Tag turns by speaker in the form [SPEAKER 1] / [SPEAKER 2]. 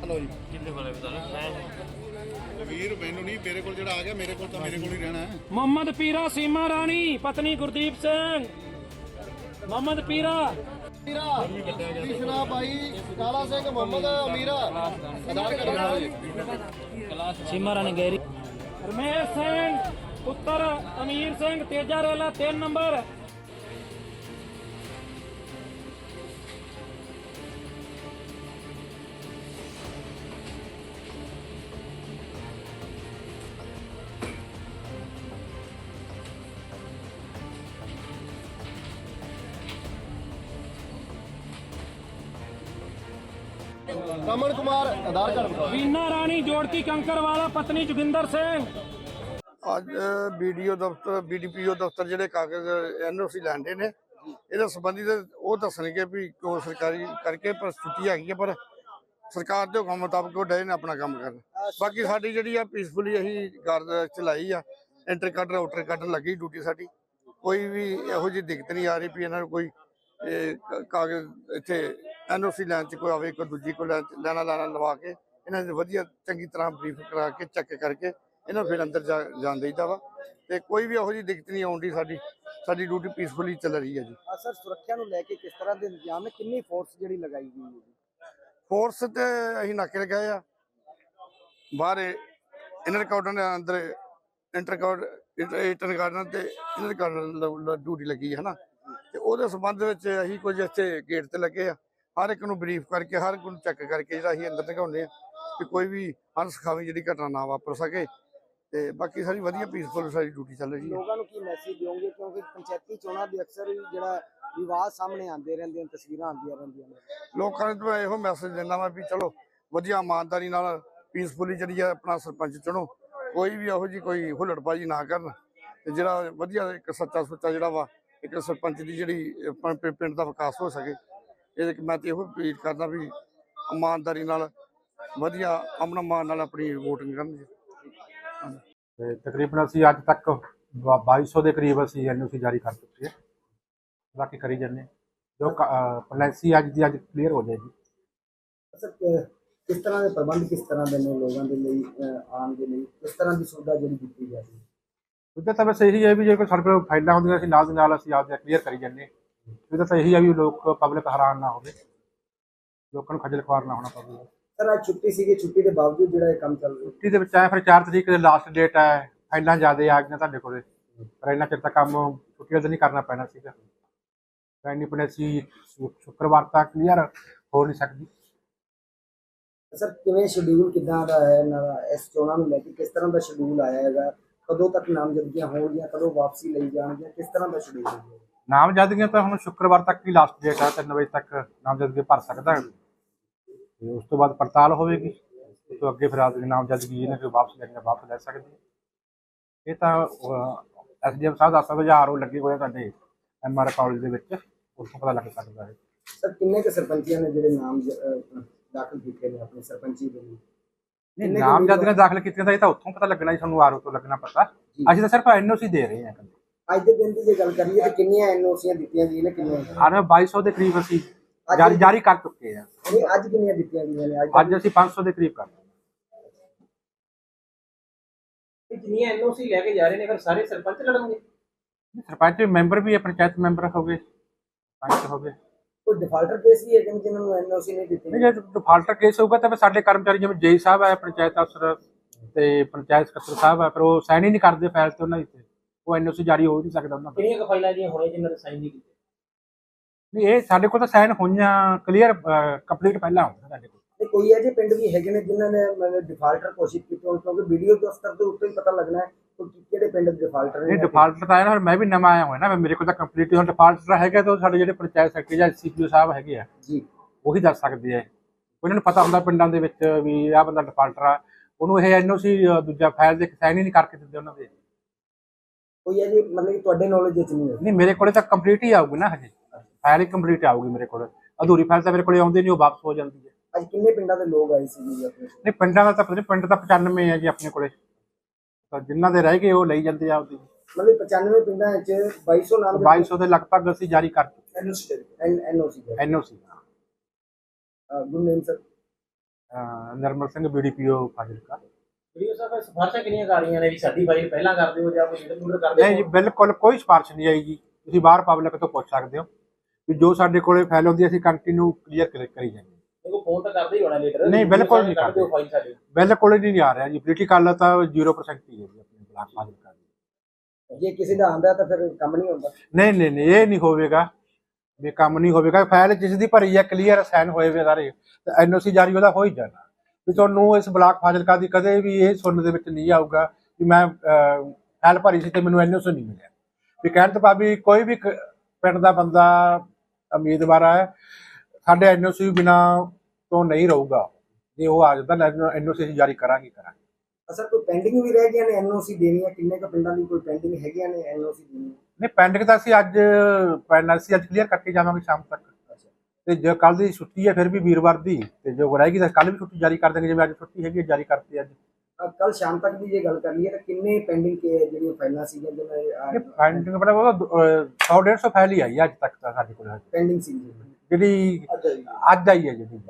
[SPEAKER 1] Hello ਜੀ
[SPEAKER 2] ਕਿੰਨੇ ਵਾਲੇ ਬਤਾ ਮੈਂ
[SPEAKER 1] ਵੀਰ ਮੈਨੂੰ ਨਹੀਂ ਮੇਰੇ ਕੋਲ ਜਿਹੜਾ ਆ ਗਿਆ ਮੇਰੇ ਕੋਲ ਤਾਂ ਮੇਰੇ ਕੋਲ ਹੀ ਰਹਿਣਾ ਹੈ।
[SPEAKER 3] मोहम्मद पीरा सीमा रानी पत्नी गुरदीप सिंह मोहम्मद पीरा
[SPEAKER 1] कृष्णा भाई काला सिंह मोहम्मद अमीरा आधार कार्ड
[SPEAKER 3] सीमा रानी गहरी रमेश सिंह पुत्र अमीर सिंह तेजा रेला 3 नंबर
[SPEAKER 1] रमन कुमार आधार कार्ड
[SPEAKER 3] वीना रानी जोड़की कंकर वाला पत्नी जोगिंदर सिंह
[SPEAKER 4] ਅੱਜ ਵੀਡੀਓ ਦਫ਼ਤਰ BDPO ਦਫ਼ਤਰ ਜਿਹੜੇ ਕਾਗਜ਼ NOC ਲੈਂਦੇ ਨੇ ਇਹਦੇ ਸੰਬੰਧੀ ਉਹ ਦੱਸਣਗੇ ਵੀ ਕਿਉਂ ਸਰਕਾਰੀ ਕਰਕੇ ਪਰ ਛੁੱਟੀ ਹੈਗੀ ਹੈ ਪਰ ਸਰਕਾਰ ਦੇ ਹੁਕਮ ਮੁਤਾਬਕ ਉਹ ਡਏ ਨੇ ਆਪਣਾ ਕੰਮ ਕਰਨ। ਬਾਕੀ ਸਾਡੀ ਜਿਹੜੀ ਆ ਪੀਸਫੁਲੀ ਅਸੀਂ ਕਰ ਚਲਾਈ ਆ ਐਂਟਰ ਕੱਢ ਆਊਟਰ ਕੱਢ ਲੱਗੀ ਡਿਊਟੀ ਸਾਡੀ ਕੋਈ ਵੀ ਇਹੋ ਜਿਹੀ ਦਿੱਕਤ ਨਹੀਂ ਆ ਰਹੀ ਵੀ ਇਹਨਾਂ ਨੂੰ ਕੋਈ ਕਾਗਜ਼ ਇੱਥੇ NOC ਲੈਣ 'ਚ ਕੋਈ ਆਵੇ ਕੋਈ ਦੂਜੀ ਕੋਈ ਲੈਣਾ ਲਵਾ ਕੇ ਇਹਨਾਂ ਦੇ ਵਧੀਆ ਚੰਗੀ ਤਰ੍ਹਾਂ ਬਰੀਫ ਕਰਾ ਕੇ ਚੈੱਕ ਕਰਕੇ ਇਹਨਾਂ ਫਿਰ ਅੰਦਰ ਜਾਣ ਦੇਈਦਾ ਵਾ ਤੇ ਕੋਈ ਵੀ ਇਹੋ ਜਿਹੀ ਦਿੱਕਤ ਨਹੀਂ ਆਉਂਦੀ। ਸਾਡੀ ਡਿਊਟੀ ਪੀਸਫੁਲੀ ਚੱਲ ਰਹੀ ਹੈ ਜੀ।
[SPEAKER 5] ਸਰ ਸੁਰੱਖਿਆ ਨੂੰ ਲੈ ਕੇ ਕਿਸ ਤਰ੍ਹਾਂ ਦੇ ਇੰਤਜ਼ਾਮ ਹੈ ਕਿੰਨੀ ਫੋਰਸ ਜਿਹੜੀ ਲਗਾਈ ਗਈ ਹੈ ਜੀ?
[SPEAKER 4] ਫੋਰਸ ਤੇ ਅਸੀਂ ਨਾਕੇ ਲਗਾਏ ਆ ਬਾਹਰ ਇਨਰ ਕਾਰਡਨ ਦੇ ਅੰਦਰ ਇੰਟਰ ਗਾਰਡਨ ਤੇ ਇਨਰ ਗਾਰਡਨ ਡਿਊਟੀ ਲੱਗੀ ਹੈ ਨਾ ਤੇ ਉਹਦੇ ਸੰਬੰਧ ਵਿੱਚ ਅਸੀਂ ਕੁਝ ਇੱਥੇ ਗੇਟ ਤੇ ਲੱਗੇ ਆ ਹਰ ਇੱਕ ਨੂੰ ਬਰੀਫ ਕਰਕੇ ਹਰ ਇੱਕ ਨੂੰ ਚੈੱਕ ਕਰਕੇ ਜਿਹੜਾ ਅਸੀਂ ਅੰਦਰ ਲਗਾਉਂਦੇ ਆ ਕਿ ਕੋਈ ਵੀ ਅਣਸਖਾਵੀ ਜਿਹੜੀ ਘਟਨਾ ਨਾ ਵਾਪਰ ਸਕੇ ਤੇ ਬਾਕੀ ਸਾਰੀ ਵਧੀਆ ਪੀਸਫੁਲ ਸਾਡੀ ਡਿਊਟੀ ਚੱਲ ਰਹੀ ਹੈ।
[SPEAKER 5] ਲੋਕਾਂ ਨੂੰ ਕੀ ਮੈਸੇਜ ਦਿਓਗੇ ਕਿਉਂਕਿ ਪੰਚਾਇਤੀ ਚੋਣਾਂ ਦੇ ਅਕਸਰ ਹੀ ਜਿਹੜਾ ਵਿਵਾਦ ਸਾਹਮਣੇ ਆਉਂਦੇ ਰਹਿੰਦੇ ਨੇ ਤਸਵੀਰਾਂ ਆਉਂਦੀਆਂ ਰਹਿੰਦੀਆਂ ਨੇ
[SPEAKER 4] ਲੋਕਾਂ ਨੂੰ ਤਾਂ ਇਹੋ ਮੈਸੇਜ ਦਿੰਦਾ ਵਾ ਵੀ ਚਲੋ ਵਧੀਆ ਇਮਾਨਦਾਰੀ ਨਾਲ ਪੀਸਫੁਲੀ ਜਿਹੜੀ ਆ ਆਪਣਾ ਸਰਪੰਚ ਚੁਣੋ ਕੋਈ ਵੀ ਇਹੋ ਜਿਹੀ ਕੋਈ ਹੁੱਲੜਬਾਜ਼ੀ ਨਾ ਕਰਨ ਤੇ ਜਿਹੜਾ ਵਧੀਆ ਇੱਕ ਸੱਚਾ ਸੁੱਚਾ ਜਿਹੜਾ ਵਾ ਇੱਕ ਸਰਪੰਚ ਦੀ ਜਿਹੜੀ ਪਿੰਡ ਦਾ ਵਿਕਾਸ ਹੋ ਸਕੇ ਇਹਦੇ ਮੈਂ ਤੇ ਇਹੋ ਅਪੀਲ ਕਰਦਾ ਵੀ ਇਮਾਨਦਾਰੀ ਨਾਲ ਵਧੀਆ ਅਮਨ ਮਾਨ ਨਾਲ ਆਪਣੀ ਵੋਟਿੰਗ ਕਰਨ ਜੀ।
[SPEAKER 6] ਤੇ ਤਕਰੀਬਨ ਅਸੀਂ ਅੱਜ ਤੱਕ 2200 ਦੇ ਕਰੀਬ ਅਸੀਂ NOC ਜਾਰੀ ਕਰ ਚੁੱਕੇ ਹਾਂ। ਬਾਕੀ ਕਰੀ ਜਾਂਦੇ ਜੋ ਪੋਲਿਸੀ ਅੱਜ ਦੀ ਅੱਜ ਕਲੀਅਰ ਹੋ ਜਾਏਗੀ।
[SPEAKER 5] ਸਰ ਕਿਸ ਤਰ੍ਹਾਂ ਦੇ ਪ੍ਰਬੰਧ ਕਿਸ ਤਰ੍ਹਾਂ ਦੇ ਨੇ ਲੋਕਾਂ ਦੇ ਲਈ ਆਉਣ ਦੇ ਲਈ ਕਿਸ ਤਰ੍ਹਾਂ ਦੀ ਸੁਵਿਧਾ ਜਿਹੜੀ ਦਿੱਤੀ ਜਾਂਦੀ ਹੈ?
[SPEAKER 6] ਉਹਦਾ ਤਾਂ ਬਸ ਇਹੀ ਹੈ ਵੀ ਜੇ ਕੋਈ ਸਾਡੇ ਕੋਲ ਫਾਈਲਾਂ ਹੁੰਦੀਆਂ ਅਸੀਂ ਨਾਲ ਦੀ ਨਾਲ ਅਸੀਂ ਆਪਦੇ ਕਲੀਅਰ ਕਰੀ ਜਾਂਦੇ। ਉਹਦਾ ਤਾਂ ਇਹੀ ਹੈ ਵੀ ਲੋਕ ਪਬਲਿਕ ਹੈਰਾਨ ਨਾ ਹੋਵੇ ਲੋਕਾਂ ਨੂੰ ਖੱਜਲ ਖੁਆਰ ਨਾ ਹੋਣਾ ਪਵੇ।
[SPEAKER 5] ਸਰ ਅੱਜ ਛੁੱਟੀ ਸੀਗੀ ਛੁੱਟੀ ਦੇ ਬਾਵਜੂਦ ਜਿਹੜਾ ਇਹ ਕੰਮ ਚੱਲ ਰਿਹਾ
[SPEAKER 6] ਛੁੱਟੀ ਦੇ ਵਿੱਚ ਆਏ ਫਿਰ 4 ਤਰੀਕ ਦੇ ਲਾਸਟ ਡੇਟ ਹੈ ਫਾਈਲਾਂ ਜ਼ਿਆਦਾ ਆ ਗਈਆਂ ਤੁਹਾਡੇ ਕੋਲੇ ਪਰ ਇੰਨਾ ਚਿਰ ਤਾਂ ਕੰਮ ਛੁੱਟੀਆਂ ਤਾਂ ਨਹੀਂ ਕਰਨਾ ਪੈਣਾ ਸੀਗਾ ਇੰਨੀ ਪੋਲਿਸੀ ਸ਼ੁੱਕਰਵਾਰ ਤੱਕ ਕਲੀਅਰ ਹੋ ਨਹੀਂ ਸਕਦੀ।
[SPEAKER 5] ਸਰ ਕਿਵੇਂ ਸ਼ਡਿਊਲ ਕਿੱਦਾਂ ਦਾ ਹੈ ਇਹਨਾਂ ਦਾ ਇਸ ਚੋਣਾਂ ਨੂੰ ਲੈ ਕੇ ਕਿਸ ਤਰ੍ਹਾਂ ਦਾ ਸ਼ਡਿਊਲ ਆਇਆ ਹੈਗਾ ਕਦੋਂ ਤੱਕ ਨਾਮਜ਼ਦਗੀਆਂ ਹੋਣਗੀਆਂ ਕਦੋਂ ਵਾਪਸੀ ਲਈ ਜਾਣਗੀਆਂ ਕਿਸ ਤਰ੍ਹਾਂ ਦਾ ਸ਼ਡਿਊਲ ਹੈ?
[SPEAKER 6] ਨਾਮਜ਼ਦਗੀਆਂ ਤਾਂ ਹੁਣ ਸ਼ੁੱਕਰਵਾਰ ਤੱਕ ਹੀ ਲਾਸਟ ਡੇਟ ਹੈ 3 ਵਜੇ ਤੱਕ ਨਾਮਜ਼ਦਗੀ ਭਰ ਸਕਦਾ ਤੇ ਉਸ ਤੋਂ ਬਾਅਦ ਪੜਤਾਲ ਹੋਵੇਗੀ ਉਸ ਤੋਂ ਅੱਗੇ ਫਿਰ ਆਪਦੀ ਨਾਮਜ਼ਦਗੀ ਇਹਨੇ ਕੋਈ ਵਾਪਸ ਲੈਣੀ ਵਾਪਸ ਲੈ ਸਕਦੀ ਇਹ ਤਾਂ SDM ਸਾਹਿਬ ਦਾ ਹਜ਼ਾਰ ਉਹ ਲੱਗੇ ਹੋਏ ਸਾਡੇ MR ਕਾਲਜ ਦੇ ਵਿੱਚ ਉੱਥੋਂ ਪਤਾ ਲੱਗ ਸਕਦਾ ਹੈ।
[SPEAKER 5] ਸਰ ਕਿੰਨੇ ਕੁ ਸਰਪੰਚੀਆਂ ਨੇ ਜਿਹੜੇ ਨਾਮ ਦਾਖਲ ਕੀਤੇ ਨੇ ਆਪਣੇ ਸਰਪੰਚੀ ਦੇ ਲਈ?
[SPEAKER 6] ਨਹੀਂ ਨਾਮਜ਼ਦਗੀਆਂ ਦਾਖਲ ਕੀਤੀਆਂ ਤਾਂ ਇਹ ਤਾਂ ਉੱਥੋਂ ਪਤਾ ਲੱਗਣਾ ਜੀ ਸਾਨੂੰ RO ਤੋਂ ਲੱਗਣਾ ਪਤਾ ਅਸੀਂ ਤਾਂ ਸਿਰਫ NOC ਦੇ ਰਹੇ ਹਾਂ।
[SPEAKER 5] ਅੱਜ ਦੇ ਦਿਨ ਦੀ ਜੇ ਗੱਲ ਕਰੀਏ ਤਾਂ ਕਿੰਨੀਆਂ NOCਆਂ ਦਿੱਤੀਆਂ ਗਈਆਂ ਨੇ ਕਿੰਨੀਆਂ?
[SPEAKER 6] 2200 ਦੇ ਕਰੀਬ ਅਸੀਂ ਜਾਰੀ ਕਰ ਚੁੱਕੇ ਹਾਂ।
[SPEAKER 5] ਨਹੀਂ ਅੱਜ ਕਿੰਨੀਆਂ ਦਿੱਤੀਆਂ ਗਈਆਂ ਨੇ?
[SPEAKER 6] ਅੱਜ ਅਸੀਂ 500 ਦੇ ਕਰੀਬ ਕਰ
[SPEAKER 7] ਜਿੰਨੀਆਂ NOC ਲੈ ਕੇ ਜਾ ਰਹੇ ਨੇ ਫਿਰ ਸਾਰੇ ਸਰਪੰਚ ਲੜਨਗੇ?
[SPEAKER 6] ਸਰਪੰਚ ਮੈਂਬਰ ਵੀ ਹੈ ਪੰਚਾਇਤ ਮੈਂਬਰ ਹੋ ਗਏ ਪੰਚ ਹੋ ਗਏ।
[SPEAKER 5] ਕੋਈ ਡਿਫਾਲਟਰ ਕੇਸ ਵੀ ਹੈ ਕਿ ਜਿਨ੍ਹਾਂ ਨੂੰ NOC ਨਹੀਂ ਦਿੱਤੀ?
[SPEAKER 6] ਨਹੀਂ ਜੇ ਡਿਫਾਲਟਰ ਕੇਸ ਹੋਊਗਾ ਤਾਂ ਫਿਰ ਸਾਡੇ ਕਰਮਚਾਰੀ ਜਿਵੇਂ JI ਸਾਹਿਬ ਹੈ ਪੰਚਾਇਤ ਅਫਸਰ ਤੇ ਪੰਚਾਇਤ ਸਕੱਤਰ ਸਾਹਿਬ ਹੈ ਫਿਰ ਉਹ ਸਾਈਨ ਹੀ ਨਹੀਂ ਕਰਦੇ ਫਾਈਲ ਤੇ ਉਹਨਾਂ ਦੀ ਉਹ NOC ਜਾਰੀ ਹੋ ਹੀ ਨਹੀਂ ਸਕਦਾ ਉਹਨਾਂ ਦਾ।
[SPEAKER 7] ਕਿੰਨੀਆਂ ਕੁ ਫਾਈਲਾਂ ਦੀਆਂ ਹੋਣੀਆਂ ਜਿਨ੍ਹਾਂ ਦੇ ਸਾਈਨ ਨਹੀਂ ਕੀਤੇ?
[SPEAKER 6] ਨਹੀਂ ਇਹ ਸਾਡੇ ਕੋਲ ਤਾਂ ਸਾਈਨ ਹੋਈਆਂ ਕਲੀਅਰ ਕੰਪਲੀਟ ਪਹਿਲਾਂ ਹੁੰਦਾ ਸਾਡੇ ਕੋਲ।
[SPEAKER 5] ਤੇ ਕੋਈ ਇਹੋ ਜਿਹੇ ਪਿੰਡ ਵੀ ਹੈਗੇ ਨੇ ਜਿਨ੍ਹਾਂ ਨੇ ਮਤਲਬ ਡਿਫਾਲਟਰ ਘੋਸ਼ਿਤ ਕੀਤੇ ਹੋਣ ਕਿਉਂਕਿ ਵੀਡੀਓ ਦਫ਼ਤਰ ਦੇ ਉੱਤੇ ਹੀ ਪਤਾ ਲੱਗਣਾ ਹੈ ਕਿ ਕਿਹੜੇ ਪਿੰਡ ਡਿਫਾਲਟਰ ਨੇ?
[SPEAKER 6] ਇਹ ਡਿਫਾਲਟਰ ਤਾਂ ਹੈ ਨਾ ਮੈਂ ਵੀ ਨਵਾਂ ਆਇਆ ਹੋਇਆ ਨਾ ਮੇਰੇ ਕੋਲ ਤਾਂ ਕੰਪਲੀਟ ਹੁਣ ਡਿਫਾਲਟਰ ਹੈਗਾ ਤਾਂ ਸਾਡੇ ਜਿਹੜੇ ਪੰਚਾਇਤ ਸੈਕਟਰੀ ਜਾਂ CPO ਸਾਹਿਬ ਹੈਗੇ ਆ
[SPEAKER 5] ਜੀ ਉਹੀ
[SPEAKER 6] ਦੱਸ ਸਕਦੇ ਆ ਉਹਨਾਂ ਨੂੰ ਪਤਾ ਹੁੰਦਾ ਪਿੰਡਾਂ ਦੇ ਵਿੱਚ ਵੀ ਆਹ ਬੰਦਾ ਡਿਫਾਲਟਰ ਆ ਉਹਨੂੰ ਇਹ NOC ਦੂਜਾ ਫਾਈਲ ਦੇ ਸਾਈਨ ਹੀ ਨਹੀਂ ਕਰਕੇ ਦਿੰਦੇ ਉਹਨਾਂ ਦੇ।
[SPEAKER 5] ਕੋਈ ਇਹ ਜੀ ਮਤਲਬ ਕਿ ਤੁਹਾਡੇ ਨੌਲੇਜ ਵਿੱਚ ਨਹੀਂ ਹੈ?
[SPEAKER 6] ਨਹੀਂ ਮੇਰੇ ਕੋਲੇ ਤਾਂ ਕੰਪਲੀਟ ਹੀ ਆਊਗੀ ਨਾ ਹਜੇ ਫਾਈਲ ਹੀ ਕੰਪਲੀਟ ਆਊਗੀ ਮੇਰੇ ਕੋਲ ਅਧੂਰੀ ਫਾਈਲ ਤਾਂ ਮੇਰੇ ਕੋਲੇ ਆਉਂਦੀ ਨਹੀਂ ਉਹ ਵਾਪਸ ਹੋ ਜਾਂਦੀ ਹੈ।
[SPEAKER 5] ਅੱਜ ਕਿੰਨੇ ਪਿੰਡਾਂ ਦੇ ਲੋਕ ਆਏ ਸੀ ਜੀ ਆਪਣੇ?
[SPEAKER 6] ਨਹੀਂ ਪਿੰਡਾਂ ਦਾ ਤਾਂ ਪਤਾ ਨਹੀਂ ਪਿੰਡ ਤਾਂ 95 ਹੈ ਜੀ ਆਪਣੇ ਕੋਲੇ ਤਾਂ ਜਿਨ੍ਹਾਂ ਦੇ ਰਹਿ ਗਏ ਉਹ ਲਈ ਜਾਂਦੇ ਆ ਆਪਦੀ
[SPEAKER 5] ਮਤਲਬ 95 ਪਿੰਡਾਂ ਵਿੱਚ 2200 ਨਾਮ
[SPEAKER 6] 2200 ਦੇ ਲਗਭਗ ਅਸੀਂ ਜਾਰੀ ਕਰ ਚੁੱਕੇ
[SPEAKER 5] NOC
[SPEAKER 6] NOC
[SPEAKER 5] good name sir
[SPEAKER 6] Nirmal Singh BDPO Fazilka.
[SPEAKER 7] VDO ਸਾਹਿਬ ਸਿਫਾਰਸ਼ਾਂ ਕਿੰਨੀਆਂ ਕਰ ਰਹੀਆਂ ਨੇ ਵੀ ਸਾਡੀ ਫਾਈਲ ਪਹਿਲਾਂ ਕਰ ਦਿਓ ਜਾਂ ਕੋਈ ਲੀਡਰ ਕਰਦੇ
[SPEAKER 6] ਨਹੀਂ ਜੀ, ਬਿਲਕੁਲ ਕੋਈ ਸਿਫਾਰਿਸ਼ ਨਹੀਂ ਆਈ ਜੀ। ਤੁਸੀਂ ਬਾਹਰ ਪਬਲਿਕ ਤੋਂ ਪੁੱਛ ਸਕਦੇ ਹੋ ਕਿ ਜੋ ਸਾਡੇ ਕੋਲੇ ਫਾਈਲ ਹੁੰਦੀ ਅਸੀਂ ਕੰਟੀਨਿਊ ਕਲੀਅਰ ਕਰੀ ਜਾਂਦੇ ਹਾਂ।
[SPEAKER 7] ਦੇਖੋ ਫੋਨ ਤਾਂ ਕਰਦੇ ਹੀ ਹੋਣਾ ਲੀਡਰ।
[SPEAKER 6] ਨਹੀਂ, ਬਿਲਕੁਲ ਨਹੀਂ
[SPEAKER 7] ਕਰਦੇ ਫਾਈਲ ਸਾਡੀ।
[SPEAKER 6] ਬਿਲਕੁਲ ਹੀ ਨਹੀਂ ਆ ਰਿਹਾ ਜੀ। ਪੋਲੀਟੀਕਲ ਤਾਂ 0% ਹੀ ਹੈ ਜੀ ਆਪਣੇ ਬਲਾਕ ਫਾਜ਼ਿਲਕਾ ਦੀ।
[SPEAKER 5] ਜੇ ਕਿਸੇ ਦਾ ਆਂਦਾ ਤਾਂ ਫਿਰ ਕੰਮ ਨਹੀਂ ਹੁੰਦਾ।
[SPEAKER 6] ਨਹੀਂ ਨਹੀਂ ਨਹੀਂ, ਇਹ ਨਹੀਂ ਹੋਵੇਗਾ ਵੀ ਕੰਮ ਨਹੀਂ ਹੋਵੇਗਾ। ਫਾਈਲ ਜਿਸ ਦੀ ਭਰੀ ਹੈ ਕਲੀਅਰ ਸਾਈਨ ਹੋਏ ਵੇ ਸਾਰੇ, ਤਾਂ NOC ਜਾਰੀ ਉਹਦਾ ਹੋ ਹੀ ਜਾਣਾ। ਵੀ ਤੁਹਾਨੂੰ ਇਸ ਬਲਾਕ ਫਾਜ਼ਿਲਕਾ ਦੀ ਕਦੇ ਵੀ ਇਹ ਸੁਣਨ ਦੇ ਵਿੱਚ ਨਹੀਂ ਆਊਗਾ ਵੀ ਮੈਂ ਫਾਈਲ ਭਰੀ ਸੀ ਤੇ ਮੈਨੂੰ NOC ਨਹੀਂ ਮਿਲਿਆ। ਵੀ ਕਹਿਣ ਤੋਂ ਭਾਵ ਵੀ ਕੋਈ ਵੀ ਪਿੰਡ ਦਾ ਬੰਦਾ ਉਮੀਦਵਾਰ ਹੈ ਸਾਡੇ NOC ਬਿਨਾਂ ਤੋਂ ਨਹੀਂ ਰਹੂਗਾ। ਜੇ ਉਹ ਆ ਜਾਂਦਾ NOC ਅਸੀਂ ਜਾਰੀ ਕਰਾਂਗੇ।
[SPEAKER 5] ਅਸਰ ਕੋਈ ਪੈਂਡਿੰਗ ਵੀ ਰਹਿ ਗਈਆਂ ਨੇ NOC ਦੇਣੀਆਂ? ਕਿੰਨੇ ਕੁ ਪਿੰਡਾਂ ਦੀ ਕੋਈ ਪੈਂਡਿੰਗ ਹੈਗੀਆਂ ਨੇ NOC ਦੇਣੀਆਂ?
[SPEAKER 6] ਨਹੀਂ, ਪੈਂਡਿੰਗ ਤਾਂ ਅਸੀਂ ਅੱਜ ਕਲੀਅਰ ਕਰਕੇ ਜਾਵਾਂਗੇ ਸ਼ਾਮ ਤੱਕ। ਤੇ ਜੇ ਕੱਲ ਦੀ ਛੁੱਟੀ ਹੈ ਫਿਰ ਵੀ ਵੀਰਵਾਰ ਦੀ, ਤੇ ਜੋ ਰਹੇਗੀ ਤਾਂ ਕੱਲ ਵੀ ਛੁੱਟੀ ਜਾਰੀ ਕਰ ਦੇਣਗੇ। ਜਿਵੇਂ ਅੱਜ ਛੁੱਟੀ ਹੈਗੀ ਜਾਰੀ ਕਰਤੀ ਅੱਜ।
[SPEAKER 5] ਕੱਲ ਸ਼ਾਮ ਤੱਕ ਦੀ ਜੇ ਗੱਲ ਕਰ ਲਈਏ ਤਾਂ ਕਿੰਨੇ ਪੈਂਡਿੰਗ ਜਿਹੜੀਆਂ ਫਾਈਲਾਂ ਸੀਗੀਆਂ ਜਿਹਨਾਂ
[SPEAKER 6] ਪੈਂਡਿੰਗ ਮਤਲਬ ਉਹ 100-150 ਫਾਈਲ ਹੀ ਆਈ ਅੱਜ ਤੱਕ ਤਾਂ ਸਾਡੇ ਕੋਲ
[SPEAKER 5] ਪੈਂਡਿੰਗ ਸੀ
[SPEAKER 6] ਜਿਹੜੀ ਅੱਜ ਆਈ ਹੈ ਜਿਹੜੀ।